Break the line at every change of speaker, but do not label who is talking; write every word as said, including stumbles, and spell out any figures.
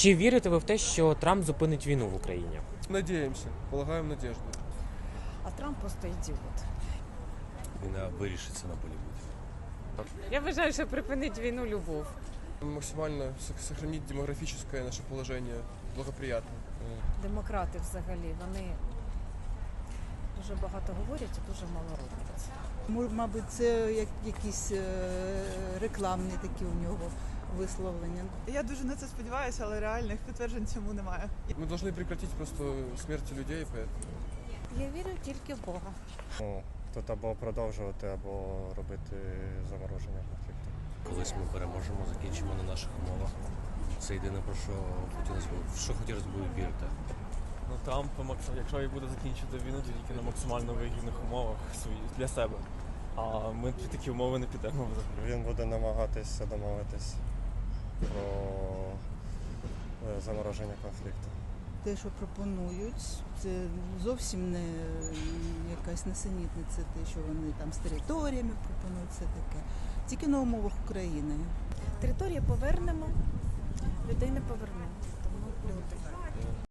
Чи вірите ви в те, що Трамп зупинить війну в Україні?
Надеемся, полагаем надежду.
А Трамп просто ідіот.
Війна вирішиться на полі битви.
Я вважаю, що припинить війну любов.
Максимально со- сохранить демографическое наше положение благоприятно.
Демократи взагалі, вони дуже багато говорять і дуже мало роблять.
Мо- Мабуть, це як якісь е, рекламні такі у нього висловлення.
Я дуже на це сподіваюся, але реальних підтверджень цьому немає.
Мы должны прекратить просто смерть людей, поэтому...
Я вірю тільки в Бога.
Ну, тут або продовжувати, або робити замороження конфлікту.
Колись ми переможемо, закінчимо на наших умовах. Це єдине, про що хотілося б, в що хотілося б вірити.
Ну Трамп, макс- якщо і буде закінчити війну, то тільки на максимально вигідних умовах свої- для себе. А ми під такі умови не підемо взагалі.
Він буде намагатися домовитись про е, замороження конфлікту.
Те, що пропонують, це зовсім не якась несенітниця, те, що вони там з територіями пропонують, все таке. Тільки на умовах України.
Території повернемо, людей не повернемо. Тому люди.